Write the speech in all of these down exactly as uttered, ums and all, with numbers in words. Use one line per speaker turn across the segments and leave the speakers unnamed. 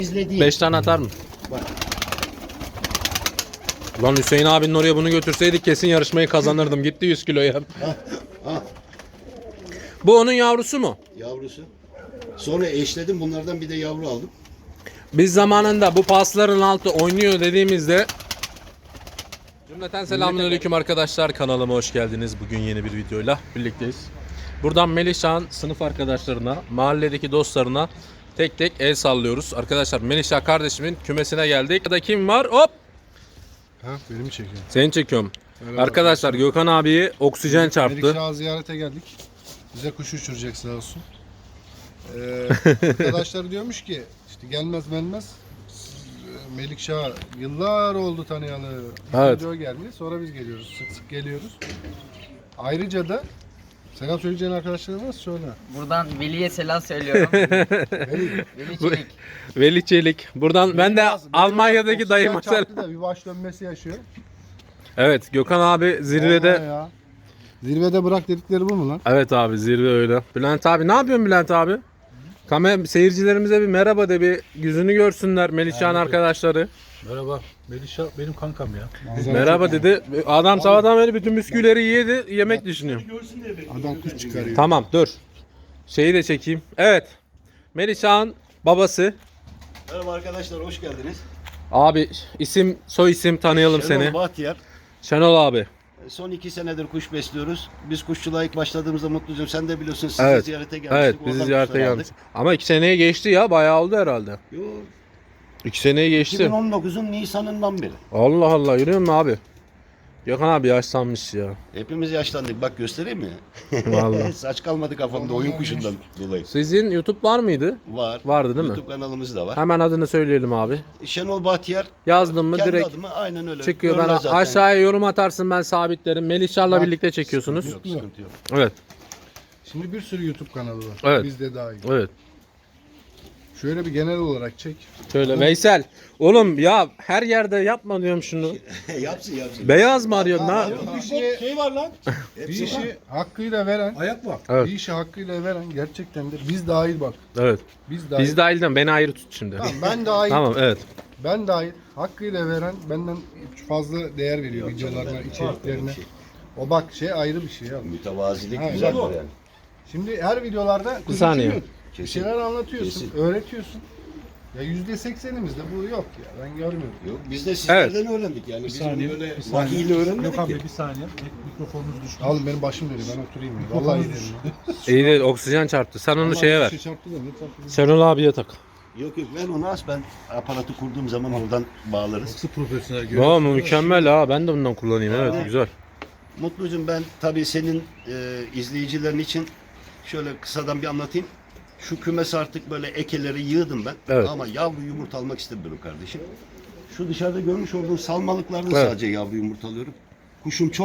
İzlediğim.
beş tane atar mı?
Bak.
Lan Hüseyin abinin oraya bunu götürseydik kesin yarışmayı kazanırdım. Gitti yüz kiloya.
Ha, ha,
Bu onun yavrusu mu?
yavrusu. Sonra eşledim, bunlardan bir de yavru aldım.
Biz zamanında bu pasların altı oynuyor dediğimizde cümleten selamünaleyküm arkadaşlar, kanalıma hoş geldiniz. Bugün yeni bir videoyla birlikteyiz. Buradan Melihşah'ın sınıf arkadaşlarına, mahalledeki dostlarına tek tek el sallıyoruz. Arkadaşlar Melihşah kardeşimin kümesine geldik. Burada kim var? Hop!
Ha, beni mi çekiyorsun?
Seni çekiyorum.
Merhaba.
Arkadaşlar Gökhan abiyi oksijen çarptı.
Melikşah'a ziyarete geldik. Bize kuş uçuracak sağ olsun. Ee, arkadaşlar diyormuş ki işte gelmez gelmez. Melikşah yıllar oldu tanıyalı.
Evet.
İkinci o geldi. Sonra biz geliyoruz. Sık sık geliyoruz. Ayrıca da selam söyleyeceğin arkadaşlarına nasıl söyle?
Buradan Veli'ye selam söylüyorum.
Veli.
Veli Çelik.
Veli Çelik. Buradan ben de
Lazım.
Almanya'daki
Oksijen
dayıma selam.
çarptı da bir baş dönmesi yaşıyor.
Evet, Gökhan abi zirvede.
Vallahi ya. Zirvede bırak dedikleri bu mu lan?
Evet abi, zirve öyle. Bülent abi ne yapıyorsun Bülent abi? Kamer seyircilerimize bir merhaba de, bir yüzünü görsünler Melihşah'ın arkadaşları.
Merhaba. Melihşah benim kankam ya.
Manzara
Merhaba
çok-
dedi. Adam sabahtan beri bütün bisküvileri yedi, yemek düşünüyor.
Adam kuş çıkarıyor.
Tamam dur. Şeyi de çekeyim. Evet. Melihşah'ın babası.
Merhaba arkadaşlar, hoş geldiniz.
Abi isim, soy isim tanıyalım
Şenol
seni.
Bahtiyar.
Şenol abi.
Son iki senedir kuş besliyoruz. Biz kuşçuluğa ilk başladığımızda Mutlucuğum, sen de biliyorsun, sizi
Evet.
ziyarete gelmiştik.
Evet, bizi
Oradan
ziyarete
kuşlar
gelmiş. Ama iki seneye geçti ya, bayağı oldu herhalde.
aldık. Yo,
İki seneye geçti.
iki bin on dokuzun Nisan'ından beri.
Allah Allah, yürüyor musun abi? Gökhan abi yaşlanmış ya.
Hepimiz yaşlandık. Bak göstereyim mi?
Vallahi.
Saç kalmadı kafamda oyun kuşundan dolayı.
Sizin YouTube var mıydı?
Var.
Vardı değil mi?
YouTube kanalımız da var.
Hemen adını söyleyelim abi.
Şenol Bahtiyar.
Yazdım mı
Kendi
direkt
adıma aynen öyle.
çıkıyor. Ben
Görünen zaten.
aşağıya yorum atarsın, ben sabitlerim. Melihşah'la
Bak,
birlikte çekiyorsunuz.
Yok, sıkıntı yok.
Evet.
Şimdi bir sürü YouTube kanalı var.
Evet.
Bizde dahil.
Evet.
Şöyle bir genel olarak çek.
Şöyle Veysel. Oğlum ya her yerde yapma diyorum şunu.
yapsın yapsın.
Beyaz mı arıyorsun ha?
Bir işi,
Şey var lan.
bir işi hakkıyla veren,
Ayak var.
Evet.
bir işi hakkıyla veren gerçekten de biz dahil bak.
Evet.
Biz dahil.
Biz dahilden beni ayrı tut şimdi.
Tamam, ben dahil.
Tamam evet.
Ben dahil. Hakkıyla veren benden fazla değer veriyor videolarına, içeriklerine. O bak şey ayrı bir şey ya.
Mütevazilik
Ha,
güzel
bu.
var yani.
Şimdi her videolarda kuş
saniye.
uçuruyorsun. Bir
Kesin.
şeyler anlatıyorsun,
Kesin.
öğretiyorsun. Ya yüzde seksenimizde bu yok ya. Ben görmüyorum.
Yok, biz de sizlerden öğrendik yani.
Bir
Bizim
saniye.
böyle
bir saniye.
vahiyle öğrenmedik
Yok
ki.
abi bir saniye. Mik- Mikrofonunuz düştü.
Oğlum benim başım dönüyor. Ben oturayım ya. Vallahi iyi derim ya.
İyi değil, oksijen çarptı. Sen onu
Vallahi
şeye
bir
ver.
şey çarptı da ne çarptı?
Şenol abiye tak.
Yok yok, ben onu as, ben aparatı kurduğum zaman oradan bağlarız.
Nasıl profesyonel görüyor?
Vay mükemmel ha, ben de bundan kullanayım, evet güzel.
Mutlucuğum, ben tabii senin e, izleyicilerin için şöyle kısadan bir anlatayım. Şu kümes artık böyle ekeleri yığdım ben.
Evet.
Ama yavru yumurta almak istemiyorum kardeşim. Şu dışarıda görmüş olduğun salmalıklardan
Evet.
sadece yavru yumurtalıyorum. Kuşum çok.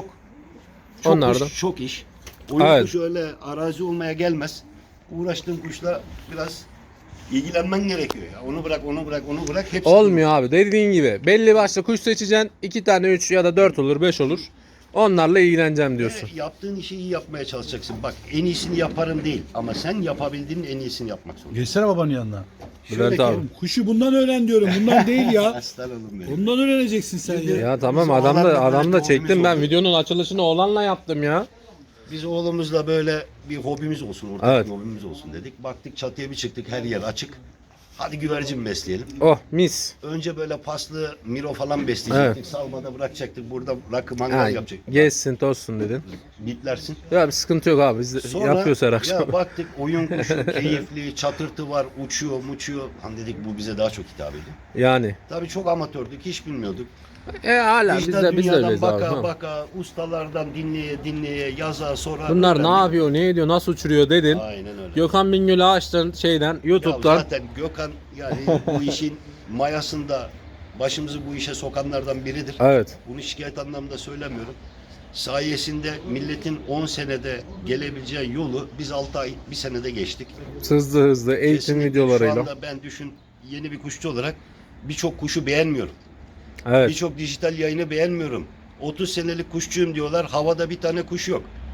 Çok
Onlardan.
kuş, çok iş. Oyun
Evet.
kuşu öyle arazi olmaya gelmez. Uğraştığın kuşla biraz ilgilenmen gerekiyor ya. Onu bırak, onu bırak, onu bırak. Hepsi
Olmuyor abi, dediğin gibi. Belli başlı kuş seçeceksin. iki tane, üç ya da dört olur, beş olur. Onlarla ilgileneceğim diyorsun.
Ve yaptığın işi iyi yapmaya çalışacaksın. Bak, en iyisini yaparım değil ama sen yapabildiğin en iyisini yapmak zorundasın.
Geçsene babanın yanına.
Bülent abi.
Kuşu bundan öğren diyorum. Bundan değil ya.
Aslan oğlum benim.
Bundan öğreneceksin sen ya.
Ya tamam,
Biz
adam
oğlanla
da adam
böyle
da
bir
çektim
hobimiz
ben,
oldu.
videonun açılışını oğlanla yaptım ya.
Biz oğlumuzla böyle bir hobimiz olsun, ortak
Evet.
bir hobimiz olsun dedik. Baktık çatıya bir çıktık, her yer açık. Hadi güvercin besleyelim.
Oh mis.
Önce böyle paslı miro falan besleyecektik. Salmada bırakacaktık. Burada rakı mangal
Ha,
yapacaktık.
gezsin tozsun dedin.
Bitlersin.
Ya bir sıkıntı yok abi, biz de
Sonra
yapıyoruz her akşam.
ya baktık oyun kuşu keyifli, çatırtı var, uçuyor, muçuyor. Hani dedik bu bize daha çok hitap ediyor.
Yani.
Tabii çok amatördük, hiç bilmiyorduk.
E hala biz
Dijital
de biz de
dünyadan
öyleyiz abi.
baka
tamam.
baka, ustalardan dinleye dinleye, yaza sonra.
Bunlar ne
öğrendik.
yapıyor, ne ediyor, nasıl uçuruyor dedin.
Aynen öyle.
Gökhan Bingöl'ü açtın şeyden,
Ya
YouTube'dan.
zaten Gökhan yani bu işin mayasında başımızı bu işe sokanlardan biridir.
Evet.
Bunu şikayet anlamında söylemiyorum. Sayesinde milletin on senede gelebileceği yolu biz altı ay, bir senede geçtik.
Hızlı hızlı eğitim
Kesinlikle
videolarıyla.
Şu anda ben düşün, yeni bir kuşçu olarak birçok kuşu beğenmiyorum.
Evet.
Birçok dijital yayını beğenmiyorum. otuz senelik kuşçuyum diyorlar, havada bir tane kuş yok.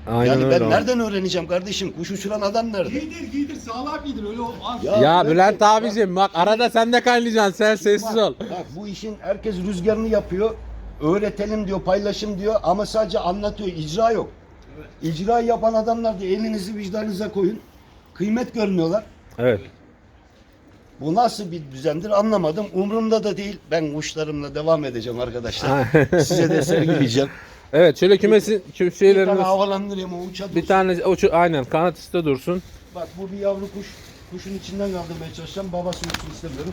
Aynen
yani
öyle
ben
abi.
nereden öğreneceğim kardeşim? Kuş uçuran adam nerede?
Giydir giydir sağlam giydir öyle olmaz.
Ya
ben-
Bülent abicim bak arada sen de kaynayacaksın, sen sessiz ol.
Bak bu işin herkes rüzgarını yapıyor. Öğretelim diyor, paylaşım diyor ama sadece anlatıyor, icra yok. İcra yapan adamlar da elinizi vicdanınıza koyun. Kıymet görmüyorlar.
Evet.
Bu nasıl bir düzendir anlamadım. Umurumda da değil. Ben kuşlarımla devam edeceğim arkadaşlar. Size de sergileyeceğim.
Evet şöyle kümesin küm
Bir tane
şeylerimiz
havalandırayım o uça
bir
dursun.
tane o şu- aynen kanat üstte dursun.
Bak bu bir yavru kuş. Kuşun içinden kaldırmaya çalışacağım. Babası uçsun istemiyorum.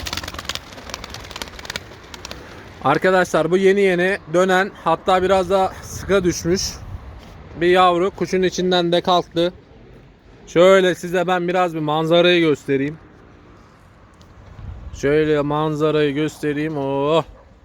Arkadaşlar bu yeni yeni dönen, hatta biraz da sıka düşmüş bir yavru kuşun içinden de kalktı. Şöyle size ben biraz bir manzarayı göstereyim. Şöyle manzarayı göstereyim. Oh.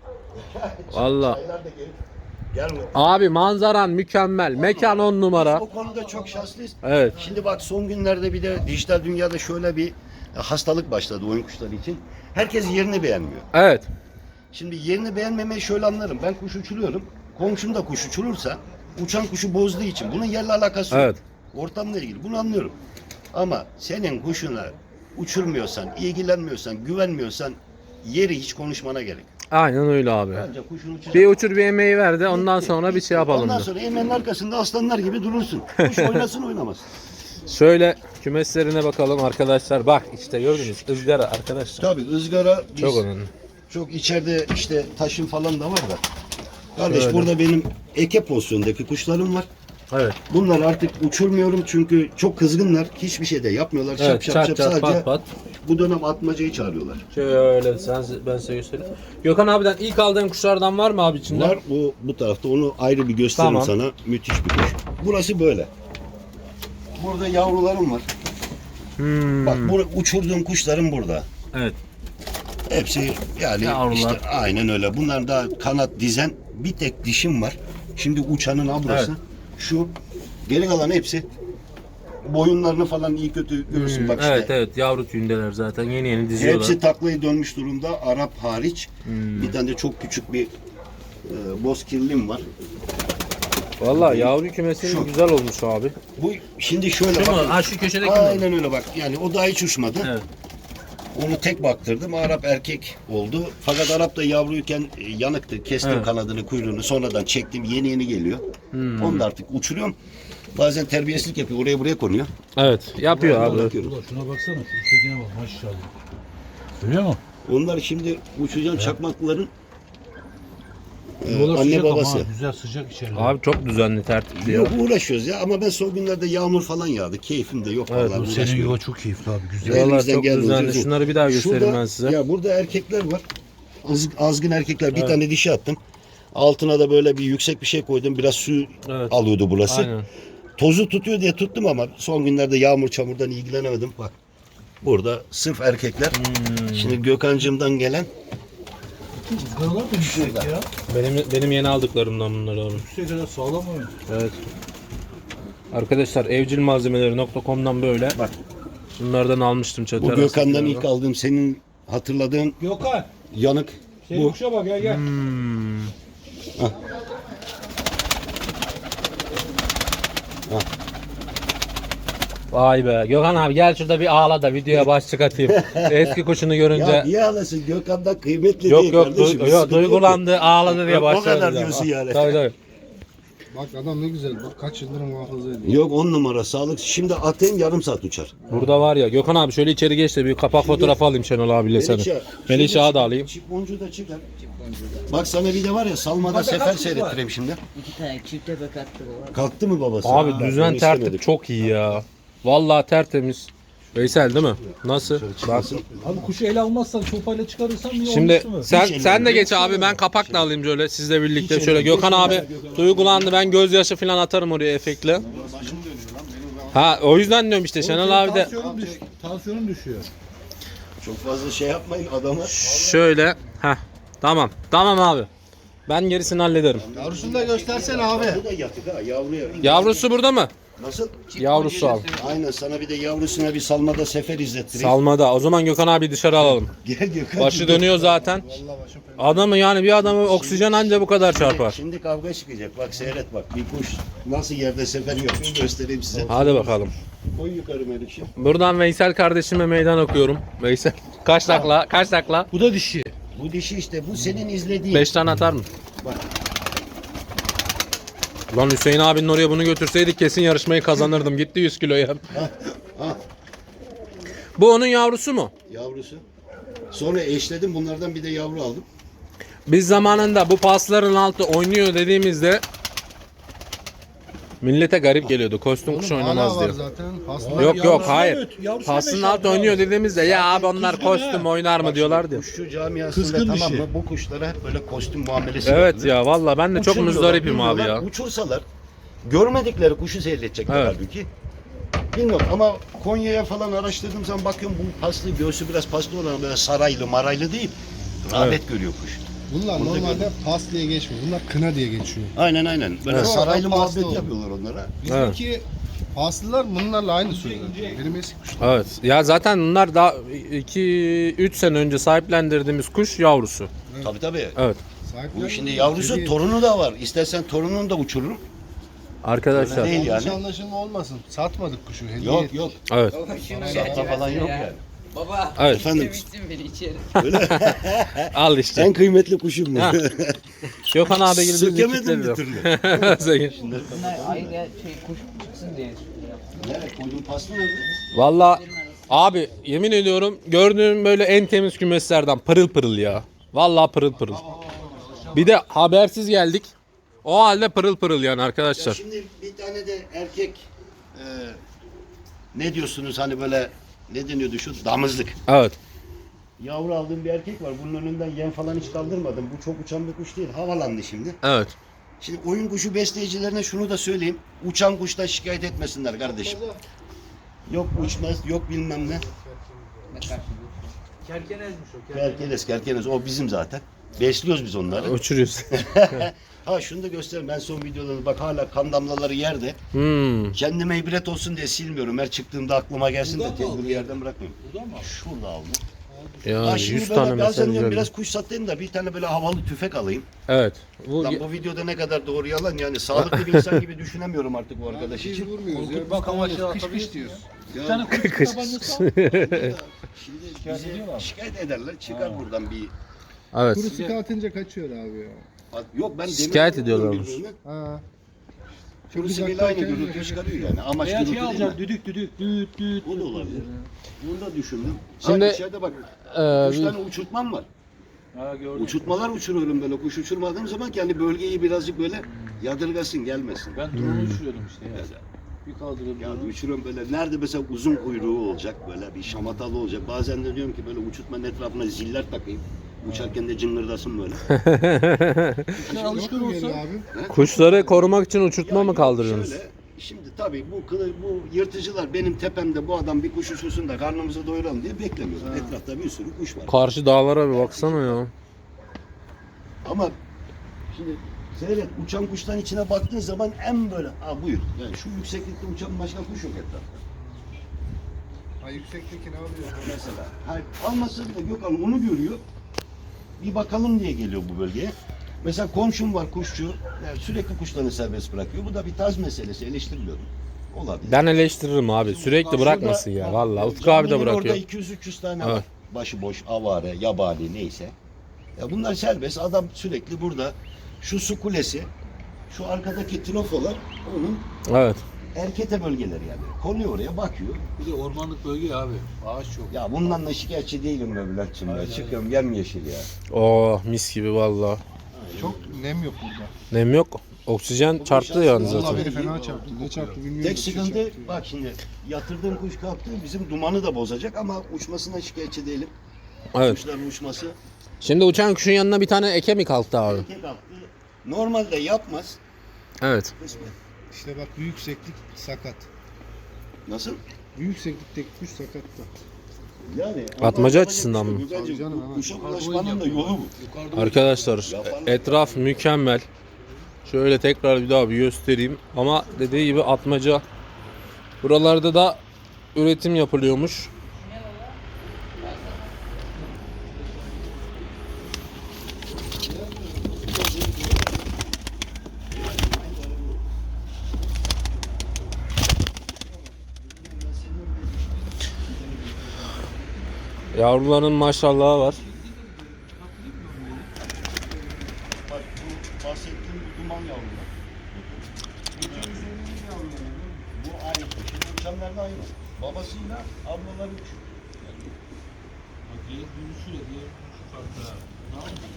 Vallahi
Çaylar da gelip gelme.
abi manzaran mükemmel. Mekan on numara.
O konuda çok şanslıyız.
Evet.
Şimdi bak son günlerde bir de dijital dünyada şöyle bir hastalık başladı oyun kuşları için. Herkes yerini beğenmiyor.
Evet.
Şimdi yerini beğenmemeyi şöyle anlarım. Ben kuş uçuruyorum. Komşum da kuş uçurursa uçan kuşu bozduğu için bunun yerle alakası yok.
Evet.
Ortamla ilgili bunu anlıyorum. Ama senin kuşuna uçurmuyorsan, ilgilenmiyorsan, güvenmiyorsan yeri hiç konuşmana gerek yok.
Aynen öyle abi.
Bence kuşun uçacak.
Bir uçur bir emeği ver de ondan sonra bir şey yapalım.
Ondan
da.
sonra emeğin arkasında aslanlar gibi durursun. Kuş oynasın oynamaz.
Şöyle kümeslerine bakalım arkadaşlar. Bak işte gördünüz ızgara arkadaşlar.
Tabii ızgara biz
Çok
çok,
önemli.
içeride işte taşın falan da var da. Kardeş
Şöyle.
burada benim eke pozisyondaki kuşlarım var.
Evet.
Bunlar artık uçurmuyorum çünkü çok kızgınlar. Hiçbir şey de yapmıyorlar.
Evet,
şap şap
çat
şap
çat,
sadece
pat pat.
bu dönem atmacayı çağırıyorlar.
Şöyle sen, ben size göstereyim. Gökhan abiden ilk aldığın kuşlardan var mı abi içinde?
Var bu bu tarafta onu ayrı bir gösteririm
Tamam.
sana. Müthiş bir kuş. Burası böyle. Burada yavrularım var.
Hmm.
Bak bu uçurduğum kuşlarım burada.
Evet.
Hepsi yani
Yavrular.
işte aynen öyle. Bunlar da kanat dizen bir tek dişim var. Şimdi uçanın ablası.
Evet.
Şu geri kalan hepsi boyunlarını falan iyi kötü görürsün bak işte.
Evet evet yavru tüyündeler zaten yeni yeni diziyorlar.
Hepsi taklayı dönmüş durumda Arap hariç.
Hmm.
Bir tane de çok küçük bir e, bozkirlim var.
Vallahi yavru kümesi
Şu.
güzel olmuş abi.
Bu şimdi şöyle
Şu mu?
bakın.
Ha şu köşedeki mi?
Aynen öyle bak. Yani o daha hiç uçmadı.
Evet.
Onu tek baktırdım. Arap erkek oldu. Fakat Arap da yavruyken e, yanıktı. Kestim
Evet.
kanadını, kuyruğunu. Sonradan çektim. Yeni yeni geliyor.
Hmm.
Onu da artık uçuruyorum. Bazen terbiyesizlik yapıyor. Oraya buraya konuyor.
Evet yapıyor
Ona
abi.
bakıyorum.
Ulan şuna baksana. Şu üsttekine bak maşallah. Görüyor musun?
Onlar şimdi uçacağım çakmakların e,
Yola
anne
sıcak
babası.
ama ha, güzel sıcak içeride.
Abi çok düzenli tertipli ya.
Yok uğraşıyoruz ya ama ben son günlerde yağmur falan yağdı. Keyfim de yok
Evet,
vallahi.
Bu senin
uğraşmıyorum.
yuva çok keyifli abi güzel.
Evet.
Vallahi
elimizden
çok
geldiğince
düzenli.
uzun.
Şunları bir daha göstereyim
Şurada-
ben size.
Ya burada erkekler var. Az, azgın erkekler. Bir tane dişi attım. Altına da böyle bir yüksek bir şey koydum. Biraz su
Evet.
alıyordu burası.
Aynen.
Tozu tutuyor diye tuttum ama son günlerde yağmur çamurdan ilgilenemedim. Bak. Burada sırf erkekler.
Hmm.
Şimdi Gökhan'cığımdan gelen
Izgaralar da yüksek ya.
Benim benim yeni aldıklarımdan bunlar abi.
Yüksek kadar sağlam mı?
Evet. Arkadaşlar evcilmalzemeleri nokta com'dan böyle.
Bak.
Bunlardan almıştım çatı
bu
arası
Gökhan'dan
kiralı.
ilk aldığım senin hatırladığın
Gökhan.
yanık
Senin
bu.
kuşa bak gel gel.
Hmm. Vay be. Gökhan abi gel şurada bir ağla da videoya başlık atayım. Eski kuşunu görünce.
Ya niye ağlasın? Gökhan'dan kıymetli
Yok
değil
yok,
kardeşim.
du-
Bir
yok
sıkıntı yok.
duygulandı, ağladı diye
O
başladı.
kadar
bize.
diyorsun yani.
Tabii tabii.
Bak adam ne güzel. Bak kaç yıldır muhafaza ediyor.
Yok on numara sağlık. Şimdi atayım yarım saat uçar.
Burada var ya Gökhan abi şöyle içeri geç de bir kapak fotoğrafı alayım Şenol abiyle seni.
Melihşah,
Melihşah'ı da alayım.
Çip boncuğu da çıkar. Bak sana bir de var ya salmada sefer seyrettireyim şimdi.
İki tane çifte bakattı bu.
Kalktı mı babası?
Abi
Ha,
düzen
onu
tertip
istemedik.
çok iyi ya. Vallahi tertemiz. Veysel değil mi? Nasıl? Bak.
Abi kuşu ele almazsan sopayla çıkarırsan niye
Şimdi
olmuştu mu?
sen
Hiç
sen de
ellemem.
geç abi ben kapakla alayım şöyle sizle birlikte
Hiç
şöyle
ellemem.
Gökhan abi duygulandı ben gözyaşı falan atarım oraya efektle. Ha o yüzden diyorum işte Şenol abi de
Tansiyonun, düş tansiyonun düşüyor.
Çok fazla şey yapmayın adama.
şöyle ha tamam tamam abi ben gerisini hallederim.
Yavrusunu da göstersene abi.
Bu da yatık ha yavruya.
Yavrusu burada mı?
Nasıl?
Yavrusu al.
Aynen, sana bir de yavrusuna bir salmada sefer izlettireyim.
Salmada. O zaman Gökhan abi dışarı alalım.
Gel Gökhan.
Başı dönüyor zaten.
Vallahi başım fena.
Adamı yani bir adamı oksijen anca bu kadar çarpar.
Şimdi kavga çıkacak. Bak seyret bak. Bir kuş nasıl yerde sefer yapıyor göstereyim size.
Hadi bakalım.
Koy yukarı Melikşim.
Buradan Veysel kardeşime meydan okuyorum. Veysel. Kaç takla? Kaç takla?
Bu da dişi.
Bu dişi işte. Bu senin izlediğin.
beş tane atar mı?
Bak.
Lan Hüseyin abinin oraya bunu götürseydik kesin yarışmayı kazanırdım. Gitti yüz kiloya.
Ha,
Bu onun yavrusu mu?
yavrusu. Sonra eşledim. Bunlardan bir de yavru aldım.
Biz zamanında bu pasların altı oynuyor dediğimizde millete garip geliyordu. Kostüm kuş
Oğlum, hala
oynamaz
var
diye.
zaten. Paslar
Yok yok
Yavrusuna
hayır.
öt, yavrusuna
Pasının
beş
altı
altı
oynuyor
al.
dediğimizde ya abi onlar
kızgın
kostüm
ha.
oynar mı diyorlardı.
Kuşçu camiasında
Kızgın
tamam
dişi.
mı? Bu kuşlara hep böyle kostüm muamelesi
Evet
yapılır.
ya valla ben de çok
Uçuruyorlar,
müzdaripim abi
bilmiyorlar.
ya.
Uçursalar görmedikleri kuşu seyredecekler
Evet.
halbuki. Bilmiyorum ama Konya'ya falan araştırdığım zaman bakıyorum bu paslı, göğsü biraz paslı olan böyle saraylı maraylı değil. Rağbet görüyor kuş.
Bunlar
Burada
normalde
gördüm.
pas diye geçmiyor. Bunlar kına diye geçiyor.
Aynen aynen. Böyle
Evet.
saraylı
Oradan paslı
muhabbet
oldu.
yapıyorlar onlara.
Bizdeki paslılar bunlarla aynı sözler. Benim eski kuşlar.
Evet. Ya zaten bunlar daha iki üç sene önce sahiplendirdiğimiz kuş yavrusu.
Tabii tabii.
Evet.
Bu şimdi yavrusu torunu da var. İstersen torununu da uçururum.
Arkadaşlar.
Öyle değil
Yanlış
yani.
anlaşılma olmasın. Satmadık kuşu. Hediye
Yok
ettik.
yok.
Evet.
Baba şunu
Sahte falan yok yani.
Baba.
Evet.
Efendim?
Bitsin beni içeri.
Al işte.
En kıymetli kuşum bu.
Ha. Gökhan abi gibi düz
Sökemedim bir türlü.
Bunlar ayrı şey kuş çıksın diye.
Nereye koydun paslı nerede?
Valla abi yemin ediyorum gördüğüm böyle en temiz kümeslerden pırıl pırıl ya. Valla pırıl pırıl. Bir de habersiz geldik. O halde pırıl pırıl yani
Ya
arkadaşlar.
şimdi bir tane de erkek e, ne diyorsunuz hani böyle ne deniyordu şu damızlık.
Evet.
Yavru aldığım bir erkek var. Bunun önünden yem falan hiç kaldırmadım. Bu çok uçan bir kuş değil. Havalandı şimdi.
Evet.
Şimdi oyun kuşu besleyicilerine şunu da söyleyeyim. Uçan kuştan şikayet etmesinler kardeşim. Yok uçmaz, yok bilmem ne.
Kerkenezmiş o.
Kerkenes, kerkenes. O bizim zaten. Besliyoruz biz onları.
Uçuruyoruz.
Ha şunu da göstereyim. Ben son videolarında bak hala kan damlaları yerde.
Hmm.
Kendime ibret olsun diye silmiyorum. Her çıktığımda aklıma gelsin de
Buradan mı
kendimi
aldın?
yerden bırakmıyorum.
Burada mı?
Şurada aldım.
Ya
Ha şimdi
yüz
böyle
tane
bazen
mesaj
diyorum
geldi.
biraz kuş satayım da bir tane böyle havalı tüfek alayım.
Evet. Bu
Lan bu videoda ne kadar doğru yalan yani sağlıklı bir insan gibi düşünemiyorum artık bu arkadaş
Biz
için.
vurmuyoruz ya.
Bak
Biz
ama
tamamız
şey
kış kış
atabilirsin.
diyoruz.
Bir tane kuş
Kış.
tabancası al.
Şimdi
Şikayet
bizi
ediyorlar.
şikayet ederler çıkar buradan bir...
Evet.
Kuru sıkı atınca kaçıyor abi ya.
Yok ben
Şikayet
demir
ediyorlarmış.
birbirine.
Ha.
Kuru
uzaktan
sıkıyla aynı
kendine
gürültü çıkarıyor yani. Amaç
Veya
gürültü
şey
değil
alacaksın.
mi?
Düdük düdük düt düt.
O da olabilir. Bunu da düşündüm.
Şimdi,
Ha, içeride bak.
Ee,
Üç tane uçurtmam var.
Ha gördüm.
Uçurtmalar uçuruyorum böyle. Kuş uçurmadığım zaman kendi bölgeyi birazcık böyle yadırgasın gelmesin.
Ben drone uçuruyordum işte ya. Bir kaldırıp
Ya
drone.
uçuruyorum böyle. Nerede mesela uzun kuyruğu olacak böyle bir şamatalı olacak. Bazen de diyorum ki böyle uçurtmanın etrafına ziller takayım. Uçarken de cıngırdasın böyle.
Kuşlar alışkın
Yok mu
olsa.
geri abi?
Kuşları korumak için uçurtma
Ya
mı
yok,
kaldırıyorsunuz?
şöyle, şimdi tabii bu kılı, bu yırtıcılar benim tepemde bu adam bir kuş uçursun da karnımızı doyuralım diye beklemiyorlar. Etrafta bir sürü kuş var.
Karşı dağlara bir baksana ya.
Ama şimdi seyret uçan kuşların içine baktığın zaman en böyle ha buyur. Yani şu yükseklikte uçan başka kuş yok etrafta.
Ha yüksekteki ne yapıyor?
Mesela. Hayır, almasa bile Gökhan onu görüyor. Bir bakalım diye geliyor bu bölgeye. Mesela komşum var kuşçu. Yani sürekli kuşlarını serbest bırakıyor. Bu da bir tarz meselesi. Eleştirmiyorum. Olabilir.
Ben eleştiririm abi. Sürekli bırakmasın ya. Vallahi Utku abi de
Caminin
bırakıyor.
Orada iki yüz üç yüz tane
Evet.
var. Başıboş, avare, yabani neyse. Ya bunlar serbest. Adam sürekli burada. Şu su kulesi, şu arkadaki trofolar onun
Evet.
erkete bölgeleri yani. Konuyor oraya bakıyor.
Bir de ormanlık bölge ya abi. Ağaç çok.
Ya bundan da şikayetçi değilim be Bülent'cim ya. Çıkıyorum yemyeşil ya.
Oh mis gibi vallahi.
Çok nem yok burada.
Nem yok. Oksijen çarptı yani
Vallahi
zaten.
beni fena çarptı. Ne çarptı bilmiyorum.
Tek
Bir şey
sıkıntı
çarptı.
bak şimdi yatırdığım kuş kalktı bizim dumanı da bozacak ama uçmasına şikayetçi değilim.
Evet.
Kuşların uçması
Şimdi uçan kuşun yanına bir tane eke mi kalktı abi?
erkek kalktı. Normalde yapmaz.
Evet.
Kısmet.
İşte bak büyük yükseklik sakat.
Nasıl?
Büyük yükseklikteki kuş sakat da.
Yani
Atmaca
ama
açısından mı?
Gökhan'cığım,
Tabii canım,
bu
hemen.
Kuşa ulaşmanın da yolu bu.
Yukarıda
Arkadaşlar etraf mükemmel. Şöyle tekrar bir daha bir göstereyim. Ama dediği gibi atmaca Buralarda da üretim yapılıyormuş. Yavruların maşallahı var.
Bak bu bahsettiğim bu duman yavrular. Bu aynı. Şimdi uçanlar da aynı. Babasıyla ablaları uçuyor.
Bak diğer dönüşüyle diğer dönüşü farklı ha.
Tamam mı?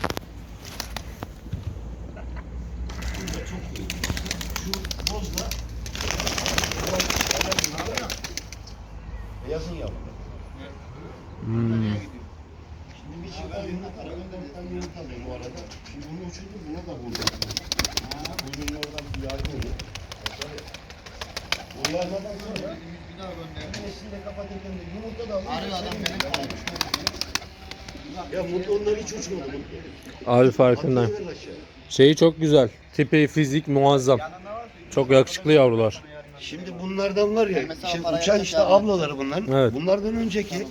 Burada çok iyi. Şu bozla beyazın yavruları.
Hmm.
Şimdi bir şey verdiğinde Karagönder'den yumurtalıyım bu arada. Şimdi bunu uçurdum, buna da vurdum. Bugün oradan bir yardım edin. Uyarmadan sonra bir daha gönderdim. Nesliyle kapatırken de yumurta da alıyor. Arıyor adam benim. Ya mutlu onlar hiç uçmadı mutlu.
Abi farkındayım.
Atlayıver aşağı.
Şeyi çok güzel. Tipi, fizik muazzam. Çok yakışıklı yavrular.
Şimdi bunlardan var ya, şimdi uçan işte ablaları bunların.
Evet.
Bunlardan önceki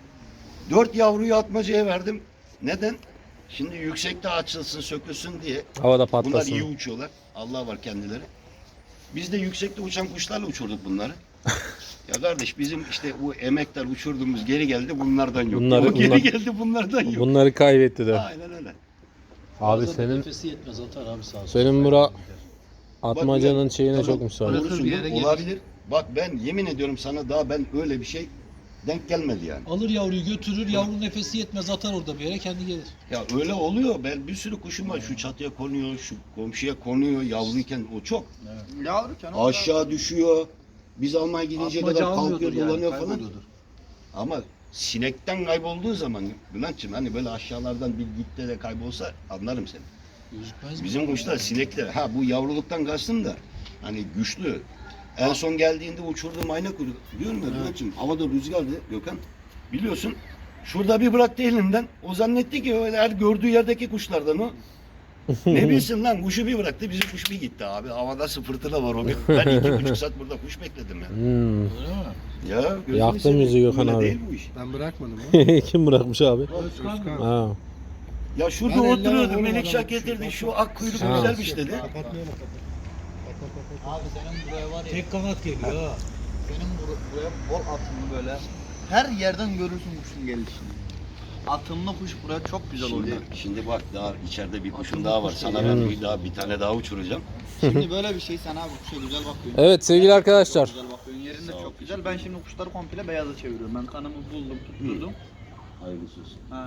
dört yavruyu atmacaya verdim. Neden? Şimdi yüksekte açılsın, sökülsün diye.
Havada
Bunlar
patlasın.
iyi uçuyorlar. Allah var kendileri. Biz de yüksekte uçan kuşlarla uçurduk bunları. Ya kardeş bizim işte bu emekler uçurduğumuz geri geldi bunlardan yok.
Bunları-
O geri
bunlar-
geldi bunlardan yok.
Bunları kaybetti de.
Aynen öyle.
Abi
Bazen
senin
nefesi yetmez atar abi sağ olsun.
senin bura atmacanın
Bak,
şeyine
tamam,
çok müsait.
doğrusun
bir
bu,
yere gelir.
olabilir. Bak ben yemin ediyorum sana daha ben öyle bir şey denk gelmedi yani.
Alır yavruyu götürür, yavrunun nefesi yetmez atar orada bir yere kendi gelir.
Ya öyle oluyor. Ben bir sürü kuşum var. Şu çatıya konuyor, şu komşuya konuyor yavruyken o çok.
Yavruken
Aşağı düşüyor. Biz almaya gidince
Atmaca
kadar
almıyordur
kalkıyor,
yani,
dolanıyor falan.
kayboluyordur.
Ama sinekten kaybolduğu zaman Bülent'ciğim hani böyle aşağılardan bir gitti de kaybolsa anlarım seni.
Gözükmez mi?
Bizim kuşlar sinekler. Ha bu yavruluktan kastım da hani güçlü. En son geldiğinde uçurduğum ayna kuyruk. Diyorum ya Bülent'ciğim havada rüzgardı Gökhan. Biliyorsun şurada bir bıraktı elinden. O zannetti ki öyle her gördüğü yerdeki kuşlardan o. Ne bilsin lan kuşu bir bıraktı bizim kuş bir gitti abi. Havada fırtına var o gün. Ben iki buçuk saat burada kuş bekledim ya.
Hmm.
Öyle mi?
Ya gözünü
Yaktın
seveyim.
bizi Gökhan
Öyle
abi.
değil bu iş.
Ben bırakmadım ha.
Kim bırakmış abi?
Özkan.
Ha.
Ya şurada
Ben ellemem
oturuyordum
oğlum
Melik
adamı.
Şah getirdi şu ak kuyruk
Ha.
güzelmiş dedi.
Kapatmayalım kapat.
Abi senin buraya var ya.
Tek kanat geliyor ha.
Senin bur- buraya bol atımlı böyle. Her yerden görürsün kuşun gelişini. Atımlı kuş buraya çok güzel
Şimdi,
oynar.
şimdi bak daha içeride bir kuşum
Atımlı
daha var.
kuş
Sana
geliyor.
ben bir daha bir tane daha uçuracağım.
Şimdi böyle bir şey sen abi kuşa güzel bakıyorsun.
Evet sevgili arkadaşlar.
Güzel bakıyorsun. Yerinde
Sağ ol,
çok güzel. Ben şimdi kuşları komple beyaza çeviriyorum. Ben kanımı buldum, tutturdum.
Hayırlısı olsun.
Ha.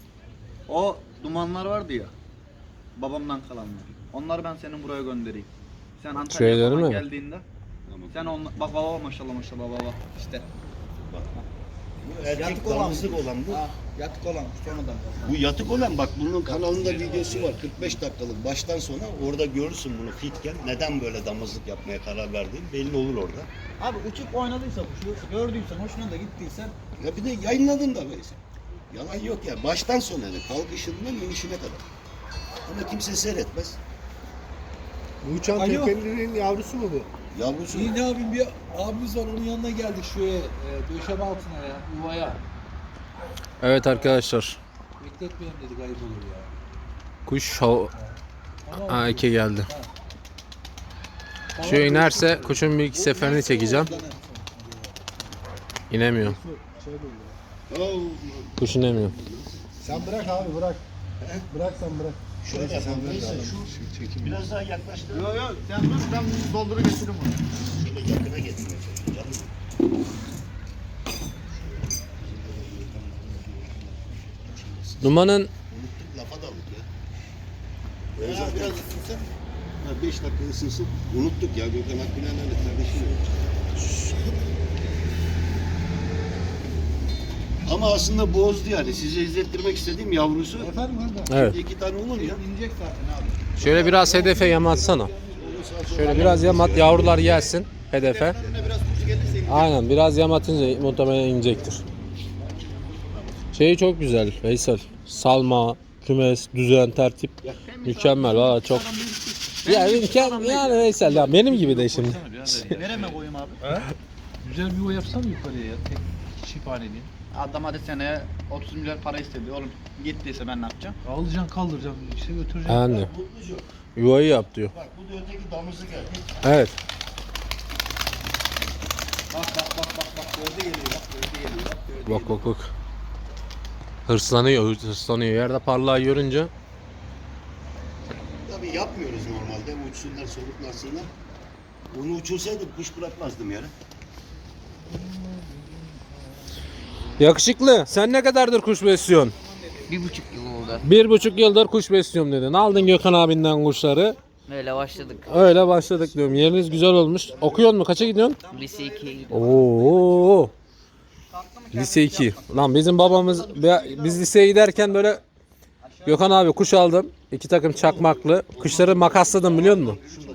O dumanlar vardı ya. Babamdan kalanlar. Onları ben senin buraya göndereyim. Sen Antalya'ya
Şeyleri
falan
mi?
geldiğinde
Tamam.
sen on bak baba maşallah maşallah baba işte.
Bak. Bu erkek
Yatık olan
damızlık olan bu.
Ha, yatık olan sonradan.
Bu yatık olan bak bunun kanalında videosu var kırk beş dakikalık baştan sona orada görürsün bunu fitken neden böyle damızlık yapmaya karar verdiğin belli olur orada.
Abi uçup oynadıysa kuşu gördüysen hoşuna da gittiysen
Ya bir de yayınladın da böyle. Yalan yok ya baştan sona yani kalkışından inişine kadar. Ama kimse seyretmez.
Bu uçan
Alo.
tepelinin yavrusu mu bu?
Yavrusu
İyi ne yapayım bir abimiz var onun yanına geldik şuraya e, döşeme altına ya yuvaya.
Evet arkadaşlar.
Bekletmeyelim dedik ayıp olur ya.
Kuş hav-
Ama
ha, iki geldi. Şu inerse kuşun bir iki seferini çekeceğim. İnemiyor.
Oh,
Kuş inemiyor.
Sen bırak abi bırak. Bırak sen bırak.
şöyle yapalım. Neyse şu
Şu çekim.
biraz daha yaklaştır.
yok yok sen dur ben doldurup getiririm onu.
Şöyle yakına getirmeye çalışacağım.
Dumanın
Unuttuk lafa daldık ya. Ben zaten biraz ısınsın. Ha, beş dakika ısınsın. Unuttuk ya Gökhan Akgülen öyle kardeşim. Ama aslında bozdu yani. Size izlettirmek istediğim yavrusu.
efendim orada.
evet.
İki tane olur ya.
İnecek zaten abi.
Şöyle biraz hedefe yamatsana. Şöyle biraz yamat yavrular gelsin hedefe.
Önüne biraz kuş gelirse
Aynen biraz yamatınca muhtemelen inecektir. Şeyi çok güzel Veysel. Salma, kümes, düzen, tertip mükemmel. Valla çok Ya imkan yani Veysel ya benim gibi de şimdi.
Nereme koyayım abi?
Güzel bir yuva yapsana yukarıya ya. Tek çifthaneli.
Adam hadi seneye otuz milyar para istedi. Oğlum gittiyse ben ne yapacağım?
Alacaksın kaldıracaksın işte götüreceksin.
Yani
Mutlucu.
yuvayı yap diyor.
Bak bu da öteki damızı geldi.
Evet.
Bak bak bak bak bak gövde geliyor bak gövde geliyor bak gövde
Bak bak bak. Hırslanıyor, hırslanıyor. Yerde parlağı görünce.
Tabii yapmıyoruz normalde. Uçsunlar, soluklasınlar. Onu uçursaydım kuş bırakmazdım yere.
Yakışıklı. Sen ne kadardır kuş besliyorsun?
Bir buçuk yıl oldu.
Bir buçuk yıldır kuş besliyorum dedin. Aldın Gökhan abinden kuşları.
Öyle başladık.
Öyle başladık diyorum. Yeriniz güzel olmuş. Okuyor mu? Kaça gidiyorsun?
Lise ikiye gidiyorum.
Oo. Lise iki. Lan bizim babamız biz liseye giderken böyle Gökhan abi kuş aldım. İki takım çakmaklı. Kuşları makasladım biliyor musun?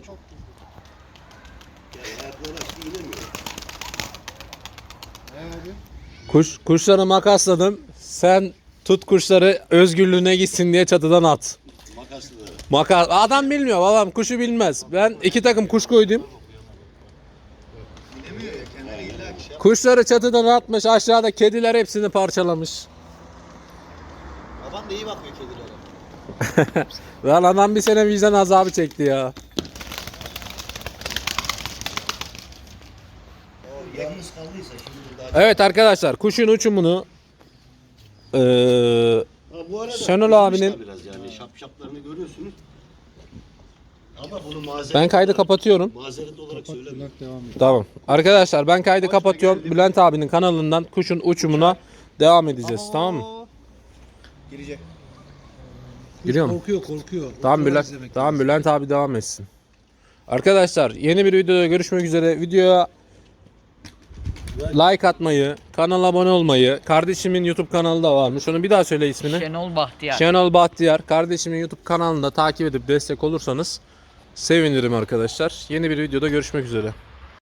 Kuş kuşları makasladım. Sen tut kuşları özgürlüğüne gitsin diye çatıdan at.
Makaslı da.
Makas adam bilmiyor babam kuşu bilmez. Ben iki takım kuş koydum. Kuşları çatıdan atmış aşağıda kediler hepsini parçalamış.
Baban da iyi bakıyor kedilere.
Lan adam bir sene vicdan azabı çekti ya.
Yalnız kaldıysa şimdi daha...
Evet arkadaşlar kuşun uçumunu eee
Ha, bu arada
Şenol
kızmış
abinin-
da biraz yani şapşaplarını görüyorsunuz. Ama bunu mazeret
ben kaydı
olarak-
kapatıyorum.
Mazeret olarak söylemiyorum.
Bülent devam et.
Tamam. Arkadaşlar ben kaydı kapatıyorum. Bülent abinin kanalından kuşun uçumuna devam edeceğiz. Tamam mı?
Girecek.
Giriyor mu?
Korkuyor korkuyor.
Tamam
Oturuyor
Bülent,
izlemek
tamam
lazım.
Bülent abi devam etsin. Arkadaşlar yeni bir videoda görüşmek üzere. Videoya like atmayı, kanala abone olmayı, kardeşimin YouTube kanalı da varmış. Onu bir daha söyle ismini.
Şenol Bahtiyar.
Şenol Bahtiyar. Kardeşimin YouTube kanalını da takip edip destek olursanız sevinirim arkadaşlar. Yeni bir videoda görüşmek üzere.